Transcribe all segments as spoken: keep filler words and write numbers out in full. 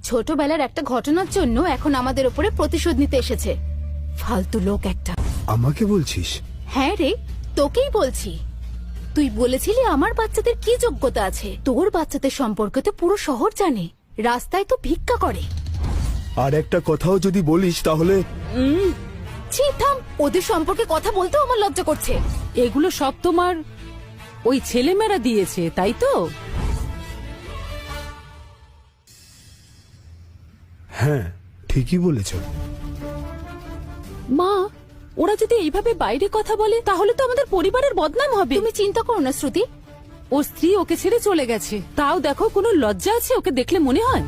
ছোটবেলার একটা ঘটনার জন্য এখন আমাদের উপরে প্রতিশোধ নিতে এসেছে। ফালতু লোক একটা। আমাকে বলছিস? হ্যাঁ রে, তোকেই বলছি। তুই বলেছিলি আমার বাচ্চাদের কি যোগ্যতা আছে। তোর বাচ্চাদের সম্পর্কে তো পুরো শহর জানে। রাস্তায় তো ভিক্ষা করে। আর একটা কথাও যদি বলিস তাহলে ছি, থাম। ওদের সম্পর্কে কথা বলতেও আমার লজ্জা করছে। এগুলো সব তোমার ওই ছেলেমেয়েরা দিয়েছে, তাই তো? হ্যাঁ, ঠিকই বলেছ। মা, ওরা যদি এইভাবে বাইরে কথা বলে তাহলে তো আমাদের পরিবারের বদনাম হবে। তুমি চিন্তা করো না শ্রুতি। ওর স্ত্রী ওকে ছেড়ে চলে গেছে, তাও দেখো কোনো লজ্জা আছে ওকে দেখলে মনে হয়?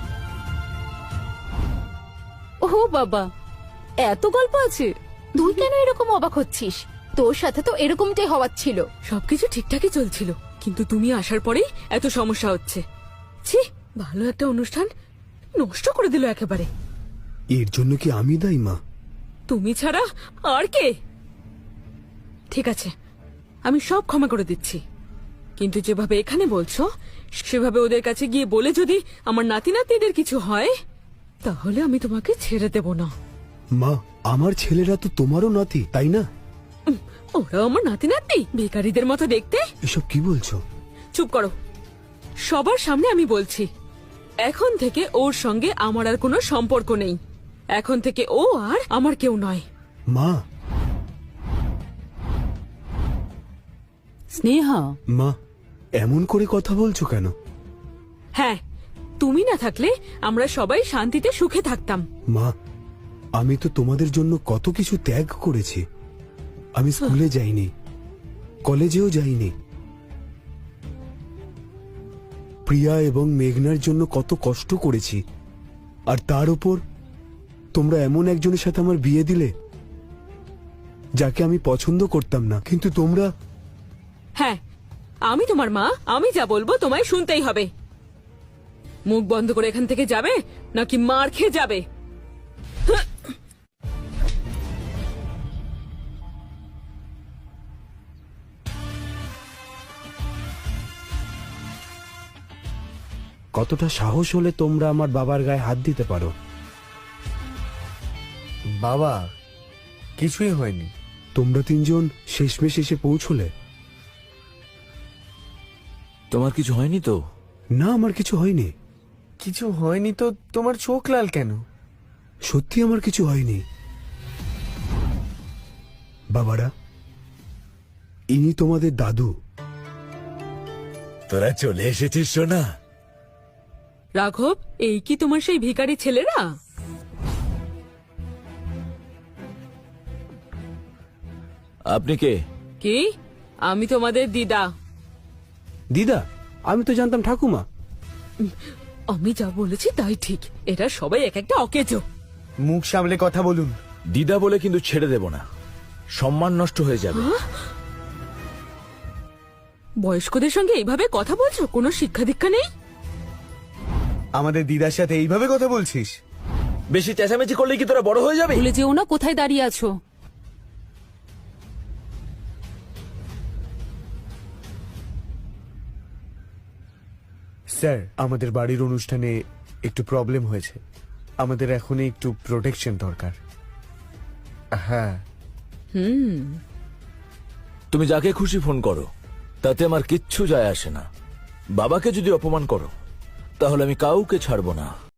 ও বাবা, এত গল্প আছে। তুই কেন এরকম অবাক হচ্ছিস? তোর সাথে তো এরকমটাই হওয়ার ছিল। সবকিছু ঠিকঠাকই চলছিল, কিন্তু তুমি আসার পরেই এত সমস্যা হচ্ছে। ছি, ভালো একটা অনুষ্ঠান নষ্ট করে দিল একেবারে। এর জন্য কি আমি দায়ী মা? তুমি ছাড়া আর কে? ঠিক আছে, আমি সব ক্ষমা করে দিচ্ছি, কিন্তু যেভাবে এখানে বলছো সেভাবে ওদের কাছে গিয়ে বলে যদি আমার নাতি নাতনিদের কিছু হয় তাহলে আমি তোমাকে ছেড়ে দেব না। মা, আমার ছেলেরা তো তোমারও নাতি, তাই না? উম, ওরা আমার নাতি নাতনি, ভিখারিদের মতো দেখতে। এসব কি বলছো? চুপ করো। সবার সামনে আমি বলছি, এখন থেকে ওর সঙ্গে আমার আর কোনো সম্পর্ক নেই। এখন থেকে ও আর আমার কেউ নয়। মা। স্নেহা, মা, এমন করে কথা বলছো কেন? হ্যাঁ, তুমি না থাকলে আমরা সবাই শান্তিতে সুখে থাকতাম। মা, আমি তো তোমাদের জন্য কত কিছু ত্যাগ করেছি। আমি স্কুলে যাইনি, কলেজেও যাইনি। প্রিয়া এবং মেঘনার জন্য কত কষ্ট করেছি, আর তার উপর তোমরা এমন একজনের সাথে আমার বিয়ে দিলে যাকে আমি পছন্দ করতাম না। কিন্তু তোমরা। হ্যাঁ, আমি তোমার মা, আমি যা বলবো তোমায় শুনতেই হবে। মুখ বন্ধ করে এখান থেকে যাবে নাকি মার খেয়ে যাবে? কতটা সাহস হলে তোমরা আমার বাবার গায়ে হাত দিতে পারো? বাবা, কিছুই হয়নি। তোমরা তিনজন শেষমেশ এসে পৌঁছলে। তোমার কিছু হয়নি তো? না, আমার কিছু হয়নি। কিছু হয়নি তো তোমার চোখ লাল কেন? সত্যি আমার কিছু হয়নি। বাবারা, ইনি তোমাদের দাদু। তোরা চলে এসেছিস সোনা। রাঘব, এই কি তোমার সেই ভিখারি ছেলেরা? আপনি কে? কি? আমি তোমাদের দিদা। দিদা? আমি তো জানতাম ঠাকুমা। আমি যা বলেছি তাই ঠিক। এরা সবাই এক একটা অকেজো। মুখ সামলে কথা বলুন। দিদা বলে কিন্তু ছেড়ে দেব না, সম্মান নষ্ট হয়ে যাবে। বয়স্কদের সঙ্গে এইভাবে কথা বলছো? কোনো শিক্ষা দীক্ষা নেই? আমাদের দিদার সাথে এইভাবে কথা বলছিস? বেশি চেঁচামেচি করলে কি তোরা বড় হয়ে যাবে? ভুলে যেও না কোথায় দাঁড়িয়ে আছো। স্যার, আমাদের বাড়ির অনুষ্ঠানে একটু প্রবলেম হয়েছে। আমাদের এখন একটু প্রোটেকশন দরকার। হ্যাঁ। হুম, তুমি যাকে খুশি ফোন করো, তাতে আমার কিচ্ছু যায় আসে না। বাবাকে যদি অপমান করো তাহলে আমি কাউকে ছাড়বো না।